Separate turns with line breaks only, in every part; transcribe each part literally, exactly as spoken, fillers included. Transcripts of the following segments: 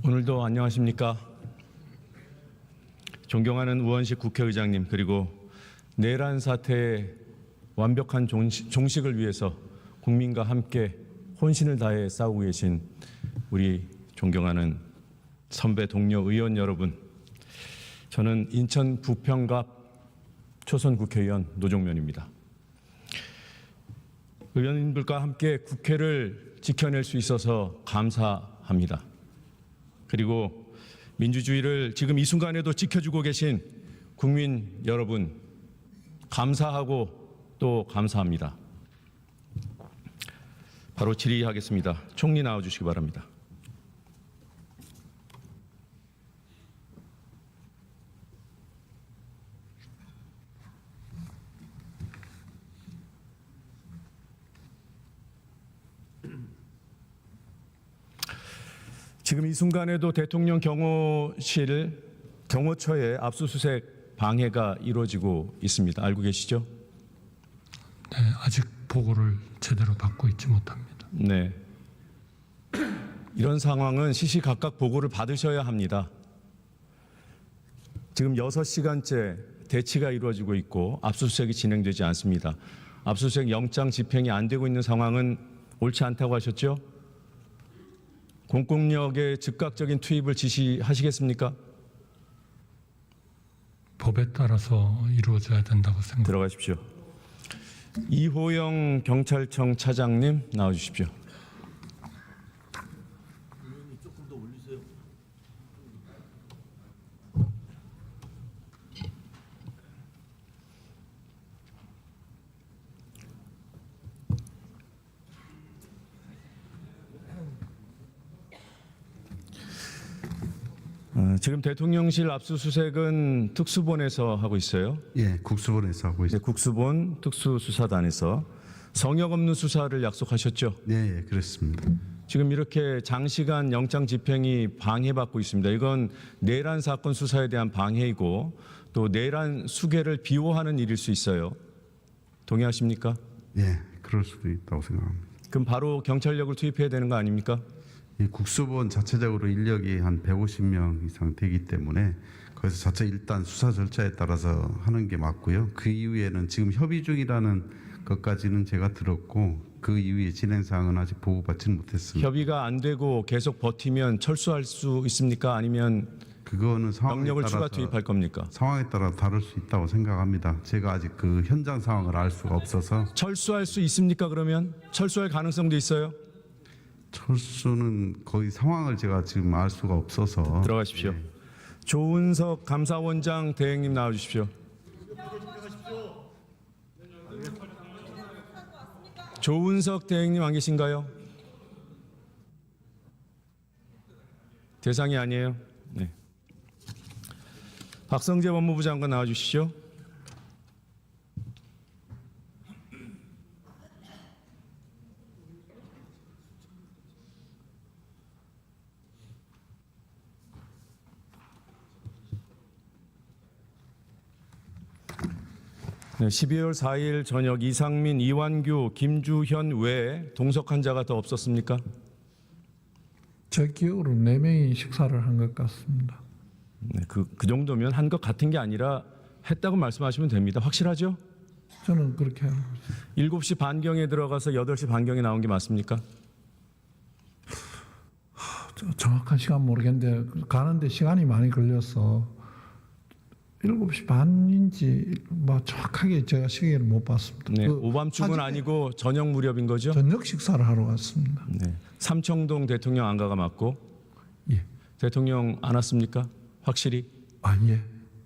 오늘도 안녕하십니까. 존경하는 우원식 국회의장님, 그리고 내란 사태의 완벽한 종식을 위해서 국민과 함께 혼신을 다해 싸우고 계신 우리 존경하는 선배 동료 의원 여러분, 저는 인천 부평갑 초선 국회의원 노종면입니다. 의원님들과 함께 국회를 지켜낼 수 있어서 감사합니다. 그리고 민주주의를 지금 이 순간에도 지켜주고 계신 국민 여러분, 감사하고 또 감사합니다. 바로 질의하겠습니다. 총리 나와주시기 바랍니다. 지금 이 순간에도 대통령 경호실, 경호처에 압수수색 방해가 이루어지고 있습니다. 알고 계시죠?
네, 아직 보고를 제대로 받고 있지 못합니다.
네. 이런 상황은 시시각각 보고를 받으셔야 합니다. 지금 여섯 시간째 대치가 이루어지고 있고 압수수색이 진행되지 않습니다. 압수수색 영장 집행이 안 되고 있는 상황은 옳지 않다고 하셨죠? 공권력의 즉각적인 투입을 지시하시겠습니까?
법에 따라서 이루어져야 된다고 생각합니다.
들어가십시오. 이호영 경찰청 차장님 나와주십시오.
조금 더 올리세요.
어, 지금 대통령실 압수수색은 특수본에서 하고 있어요.
예, 국수본에서 하고
네,
있습니다.
국수본 특수수사단에서 성역 없는 수사를 약속하셨죠.
네, 예, 그렇습니다.
지금 이렇게 장시간 영장 집행이 방해받고 있습니다. 이건 내란 사건 수사에 대한 방해이고 또 내란 수괴를 비호하는 일일 수 있어요. 동의하십니까?
예, 그럴 수도 있다고 생각합니다.
그럼 바로 경찰력을 투입해야 되는 거 아닙니까?
이 국수본 자체적으로 인력이 한 백오십 명 이상 되기 때문에 거기서 자체 일단 수사 절차에 따라서 하는 게 맞고요. 그 이후에는 지금 협의 중이라는 것까지는 제가 들었고 그 이후에 진행 사항은 아직 보고받지는 못했습니다.
협의가 안 되고 계속 버티면 철수할 수 있습니까? 아니면
그거는 상황에
병력을 추가
따라서
투입할 겁니까?
상황에 따라 다를 수 있다고 생각합니다. 제가 아직 그 현장 상황을 알 수가 없어서
철수할 수 있습니까? 그러면 철수할 가능성도 있어요?
철수는 거의 상황을 제가 지금 알 수가 없어서
들어가십시오.
예.
조은석 감사원장 대행님 나와주십시오. 조은석 대행님 안 계신가요? 대상이 아니에요. 네. 박성재 법무부 장관 나와주시죠. 네, 십이월 사일 저녁 이상민, 이완규, 김주현 외에 동석 환자가 더 없었습니까?
제 기억으로 네 명이 식사를 한 것 같습니다.
네, 그, 그 정도면 한 것 같은 게 아니라 했다고 말씀하시면 됩니다. 확실하죠?
저는 그렇게 알고 있습니다.
일곱 시 반경에 들어가서 여덟 시 반경에 나온 게 맞습니까?
저- 정확한 시간 모르겠는데 가는데 시간이 많이 걸려서 일곱 시 반인지 뭐 정확하게 제가 시계를 못 봤습니다.
네,
그
오밤중은
사진에
아니고 저녁 무렵인 거죠?
저녁 식사를 하러 왔습니다.
네. 삼청동 대통령 안가가 맞고
예.
대통령 안 왔습니까? 확실히?
아 예.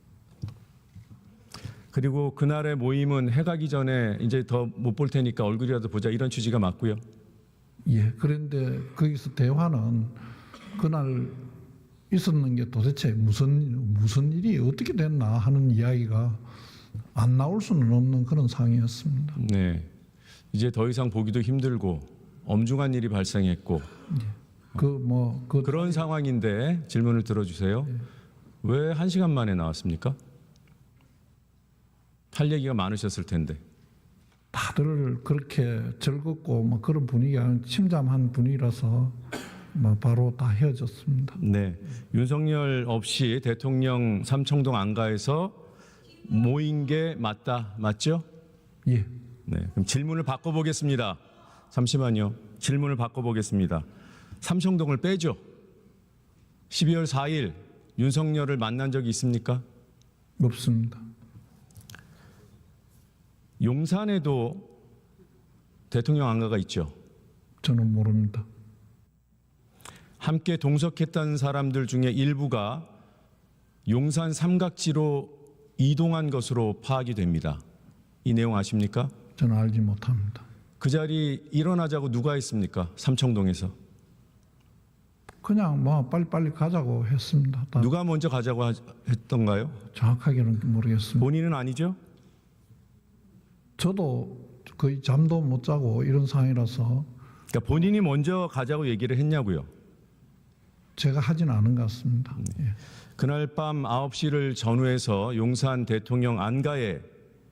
그리고 그날의 모임은 해가기 전에 이제 더 못 볼 테니까 얼굴이라도 보자 이런 취지가 맞고요.
예. 그런데 거기서 대화는 그날 있었는 게 도대체 무슨 무슨 일이 어떻게 됐나 하는 이야기가 안 나올 수는 없는 그런 상황이었습니다.
네. 이제 더 이상 보기도 힘들고 엄중한 일이 발생했고
그 뭐 그
그런 상황인데 질문을 들어주세요. 왜 한 시간 만에 나왔습니까? 할 얘기가 많으셨을 텐데.
다들 그렇게 즐겁고 뭐 그런 분위기가 침잠한 분위기라서 뭐 바로 다 헤어졌습니다.
네, 윤석열 없이 대통령 삼청동 안가에서 모인 게 맞다, 맞죠?
예.
네, 그럼 질문을 바꿔보겠습니다. 잠시만요. 질문을 바꿔보겠습니다. 삼청동을 빼죠. 십이월 사일 윤석열을 만난 적이 있습니까?
없습니다.
용산에도 대통령 안가가 있죠.
저는 모릅니다.
함께 동석했던 사람들 중에 일부가 용산 삼각지로 이동한 것으로 파악이 됩니다. 이 내용 아십니까?
저는 알지 못합니다.
그 자리 일어나자고 누가 했습니까? 삼청동에서.
그냥 뭐 빨리빨리 가자고 했습니다. 다
누가 먼저 가자고 하- 했던가요?
정확하게는 모르겠습니다.
본인은 아니죠?
저도 거의 잠도 못 자고 이런 상황이라서
그러니까 본인이 먼저 가자고 얘기를 했냐고요.
제가 하진 않은 것 같습니다. 예.
그날 밤 아홉 시를 전후해서 용산 대통령 안가에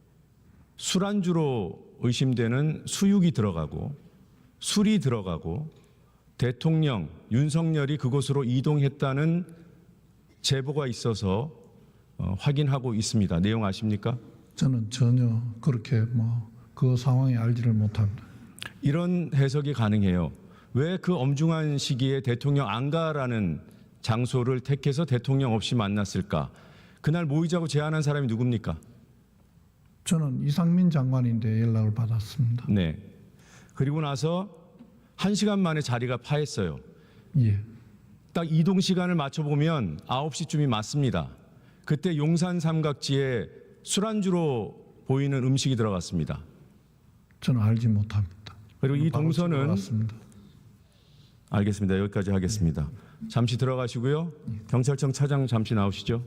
술안주로 의심되는 수육이 들어가고 술이 들어가고 대통령 윤석열이 그곳으로 이동했다는 제보가 있어서 어, 확인하고 있습니다. 내용 아십니까?
저는 전혀 그렇게 뭐 그 상황에 알지를 못합니다.
이런 해석이 가능해요. 왜 그 엄중한 시기에 대통령 안가라는 장소를 택해서 대통령 없이 만났을까? 그날 모이자고 제안한 사람이 누굽니까?
저는 이상민 장관인데 연락을 받았습니다.
네. 그리고 나서 한 시간 만에 자리가 파했어요.
예.
딱 이동 시간을 맞춰보면 아홉 시쯤이 맞습니다. 그때 용산 삼각지에 술안주로 보이는 음식이 들어갔습니다.
저는 알지 못합니다.
그리고 이
바로
동선은
들어갔습니다.
알겠습니다. 여기까지 하겠습니다. 잠시 들어가시고요. 경찰청 차장 잠시 나오시죠.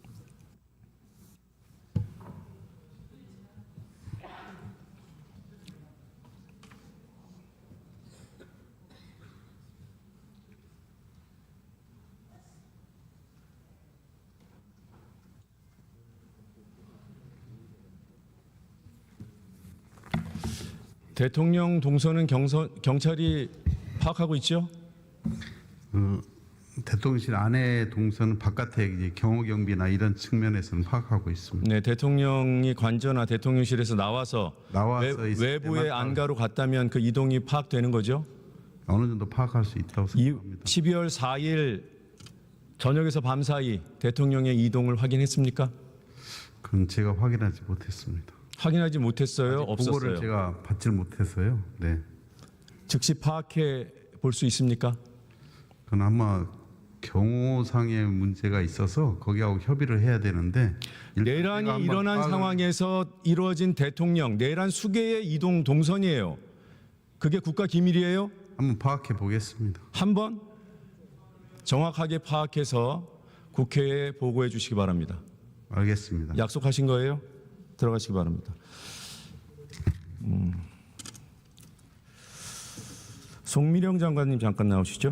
대통령 동선은 경선, 경찰이 파악하고 있죠?
어, 대통령실 안에 동선은 바깥에 이제 경호 경비나 이런 측면에서는 파악하고 있습니다.
네, 대통령이 관저나 대통령실에서 나와서,
나와서
외,
있을
외부의
때만
안가로 갔다면 그 이동이 파악되는 거죠?
어느 정도 파악할 수 있다고
이,
생각합니다.
십이월 사일 저녁에서 밤 사이 대통령의 이동을 확인했습니까?
그건 제가 확인하지 못했습니다.
확인하지 못했어요?
보고를
없었어요?
제가 받질 못해서요. 네,
즉시 파악해 볼 수 있습니까?
그건 아마 경호상의 문제가 있어서 거기하고 협의를 해야 되는데 일단 제가
내란이
한번
일어난
파악을-
상황에서 이루어진 대통령 내란 수계의 이동 동선이에요. 그게 국가 기밀이에요?
한번 파악해 보겠습니다.
한번 정확하게 파악해서 국회에 보고해 주시기 바랍니다.
알겠습니다.
약속하신 거예요? 들어가시기 바랍니다. 음. 송미령 장관님 잠깐 나오시죠.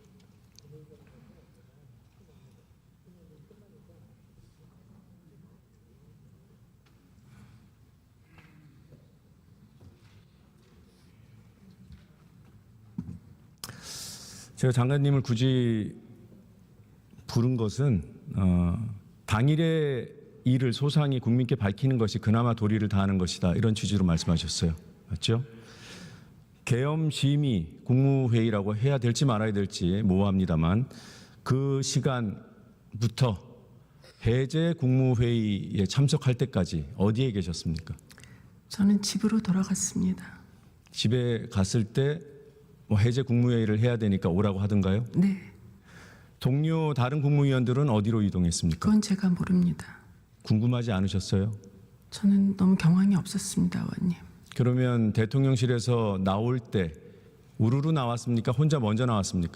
제가 장관님을 굳이 부른 것은 어, 당일의 일을 소상히 국민께 밝히는 것이 그나마 도리를 다하는 것이다. 이런 취지로 말씀하셨어요. 맞죠? 계엄 심의 국무회의라고 해야 될지 말아야 될지 모호합니다만 그 시간부터 해제 국무회의에 참석할 때까지 어디에 계셨습니까?
저는 집으로 돌아갔습니다.
집에 갔을 때 뭐 해제 국무회의를 해야 되니까 오라고 하던가요?
네,
동료 다른 국무위원들은 어디로 이동했습니까?
그건 제가 모릅니다.
궁금하지 않으셨어요?
저는 너무 경황이 없었습니다, 의원님.
그러면 대통령실에서 나올 때 우르르 나왔습니까? 혼자 먼저 나왔습니까?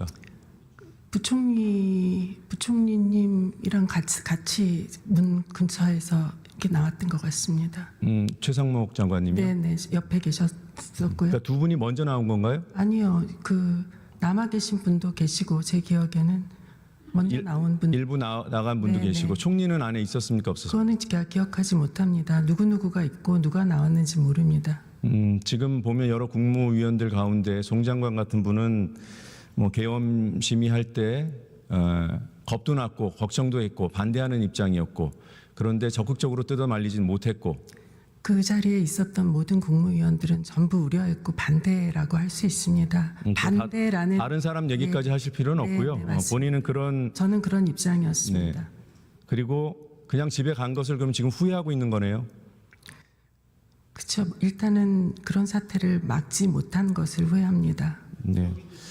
부총리 부총리님이랑 같이 같이 문 근처에서 이렇게 나왔던 것 같습니다.
음, 최상목 장관님이요?
네, 네, 옆에 계셨었고요.
그러니까 두 분이 먼저 나온 건가요?
아니요, 그 남아 계신 분도 계시고 제 기억에는 먼저
일-
나온 분.
일부 나, 나간 분도
네,
계시고
네.
총리는 안에 있었습니까? 없었습니까?
그거는 제가 기억하지 못합니다. 누구 누구가 있고 누가 나왔는지 모릅니다.
음, 지금 보면 여러 국무위원들 가운데 송 장관 같은 분은 뭐 계엄 심의할 때 어, 겁도 났고 걱정도 했고 반대하는 입장이었고 그런데 적극적으로 뜯어 말리진 못했고
그 자리에 있었던 모든 국무위원들은 전부 우려했고 반대라고 할 수 있습니다.
음,
반대라는
다른 사람 얘기까지
네.
하실 필요는
네,
없고요.
네,
어,
맞습니다.
본인은 그런
저는 그런 입장이었습니다.
네. 그리고 그냥 집에 간 것을 그럼 지금 후회하고 있는 거네요.
그렇죠. 일단은 그런 사태를 막지 못한 것을 후회합니다.
네.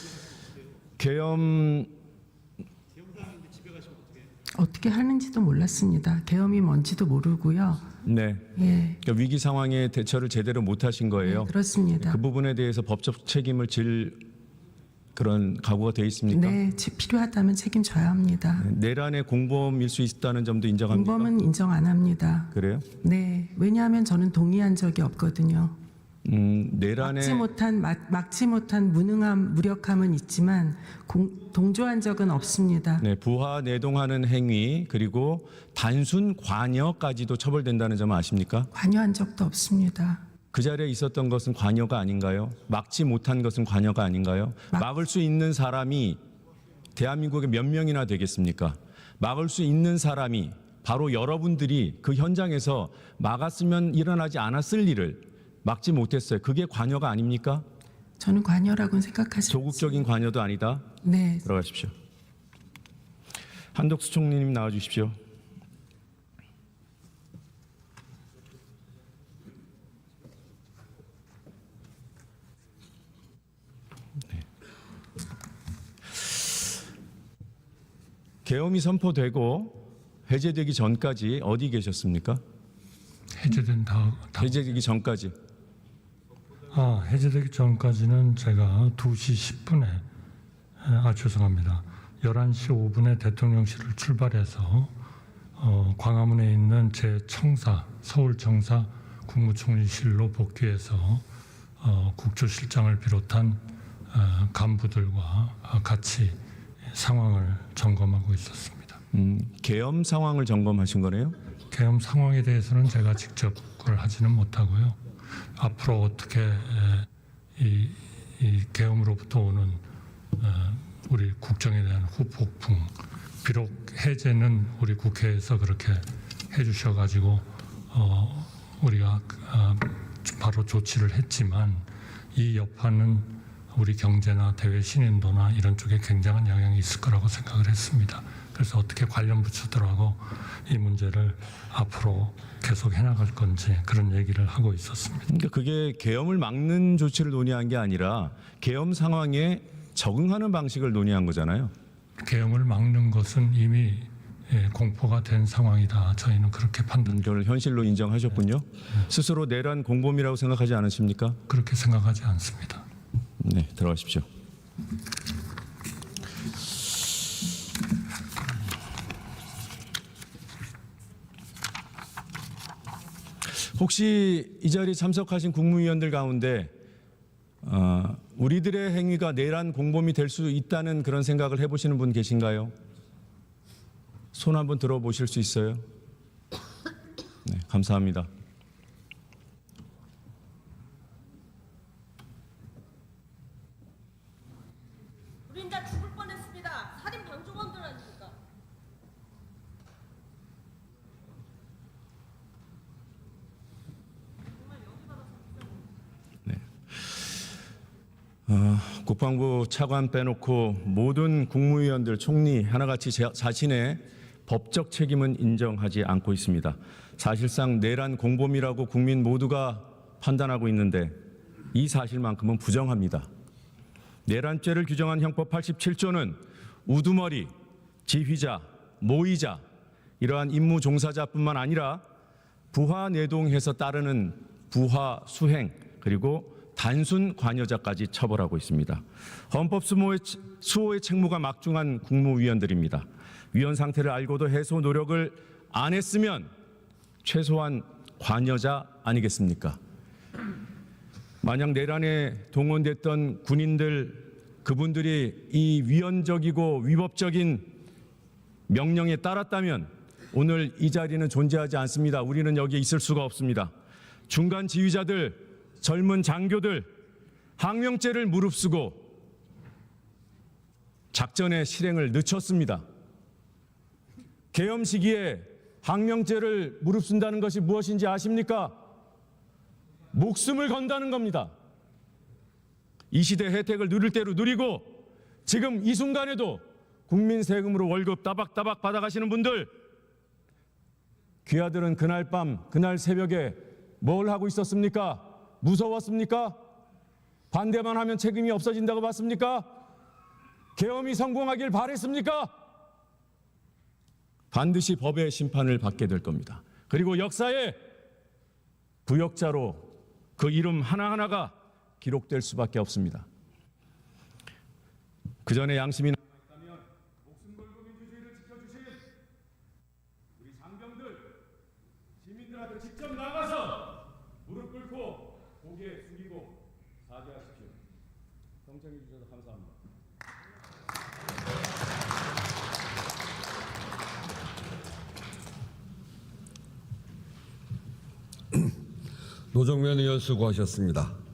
계엄
어떻게 하는지도 몰랐습니다. 계엄이 뭔지도 모르고요.
네.
예,
그러니까 위기 상황에 대처를 제대로 못 하신 거예요.
네, 그렇습니다.
그 부분에 대해서 법적 책임을 질 그런 각오가 돼 있습니까?
네, 지- 필요하다면 책임져야 합니다.
내란의 공범일 수 있다는 점도 인정합니까?
공범은 인정 안 합니다.
그래요?
네, 왜냐하면 저는 동의한 적이 없거든요.
음, 내란의
막지 못한 막, 막지 못한 무능함, 무력함은 있지만 공, 동조한 적은 없습니다.
네, 부하 내동하는 행위 그리고 단순 관여까지도 처벌된다는 점 아십니까?
관여한 적도 없습니다.
그 자리에 있었던 것은 관여가 아닌가요? 막지 못한 것은 관여가 아닌가요?
막-
막을 수 있는 사람이 대한민국에 몇 명이나 되겠습니까? 막을 수 있는 사람이 바로 여러분들이 그 현장에서 막았으면 일어나지 않았을 일을 막지 못했어요. 그게 관여가 아닙니까?
저는 관여라고는 생각하지
조국적인 관여도 아니다.
네,
들어가십시오. 한덕수 총리님 나와 주십시오. 네. 계엄이 선포되고 해제되기 전까지 어디 계셨습니까?
해제된 다, 다
해제되기 전까지.
아, 해제되기 전까지는 제가 두 시 십 분에 아 죄송합니다. 열한 시 오 분에 대통령실을 출발해서 어, 광화문에 있는 제 청사 서울청사 국무총리실로 복귀해서 어, 국조실장을 비롯한 어, 간부들과 같이 상황을 점검하고 있었습니다.
음, 계엄 상황을 점검하신 거네요.
계엄 상황에 대해서는 제가 직접 그걸 하지는 못하고요. 앞으로 어떻게 에, 이, 이 계엄으로부터 오는 어, 우리 국정에 대한 후폭풍, 비록 해제는 우리 국회에서 그렇게 해주셔가지고 어, 우리가 어, 바로 조치를 했지만 이 여파는 우리 경제나 대외 신인도나 이런 쪽에 굉장한 영향이 있을 거라고 생각을 했습니다. 그래서 어떻게 관련 부처들하고 이 문제를 앞으로 계속 해나갈 건지 그런 얘기를 하고 있었습니다.
그러니까 그게 계엄을 막는 조치를 논의한 게 아니라 계엄 상황에 적응하는 방식을 논의한 거잖아요.
계엄을 막는 것은 이미 예, 공포가 된 상황이다. 저희는 그렇게 판단,
그걸 현실로 인정하셨군요. 스스로 내란 공범이라고 생각하지 않으십니까?
그렇게 생각하지 않습니다.
네, 들어가십시오. 혹시 이 자리에 참석하신 국무위원들 가운데 어, 우리들의 행위가 내란 공범이 될 수 있다는 그런 생각을 해보시는 분 계신가요? 손 한번 들어보실 수 있어요? 네, 감사합니다.
우린 다 죽을 뻔했습니다. 살인 방조범들 아닙니까?
어, 국방부 차관 빼놓고 모든 국무위원들 총리 하나같이 자, 자신의 법적 책임은 인정하지 않고 있습니다. 사실상 내란 공범이라고 국민 모두가 판단하고 있는데 이 사실만큼은 부정합니다. 내란죄를 규정한 형법 팔십칠 조는 우두머리, 지휘자, 모의자 이러한 임무 종사자뿐만 아니라 부하 내동해서 따르는 부하 수행 그리고 단순 관여자까지 처벌하고 있습니다. 헌법 수호의, 수호의 책무가 막중한 국무위원들입니다. 위헌 상태를 알고도 해소 노력을 안 했으면 최소한 관여자 아니겠습니까? 만약 내란에 동원됐던 군인들 그분들이 이 위헌적이고 위법적인 명령에 따랐다면 오늘 이 자리는 존재하지 않습니다. 우리는 여기에 있을 수가 없습니다. 중간 지휘자들, 젊은 장교들, 항명죄를 무릅쓰고 작전의 실행을 늦췄습니다. 계엄 시기에 항명죄를 무릅쓴다는 것이 무엇인지 아십니까? 목숨을 건다는 겁니다. 이 시대 혜택을 누릴 대로 누리고 지금 이 순간에도 국민 세금으로 월급 따박따박 받아가시는 분들, 귀하들은 그날 밤 그날 새벽에 뭘 하고 있었습니까? 무서웠습니까? 반대만 하면 책임이 없어진다고 봤습니까? 계엄이 성공하길 바랬습니까? 반드시 법의 심판을 받게 될 겁니다. 그리고 역사에 부역자로 그 이름 하나하나가 기록될 수밖에 없습니다. 그 전에 양심이 남아있다면 목숨 걸고 민주주의를 지켜주신 우리 장병들, 시민들한테 직접 나가서 무릎 꿇고 고개 숙이고 사죄하십시오. 경청해 주셔서 감사합니다.
노정면 의원 수고하셨습니다.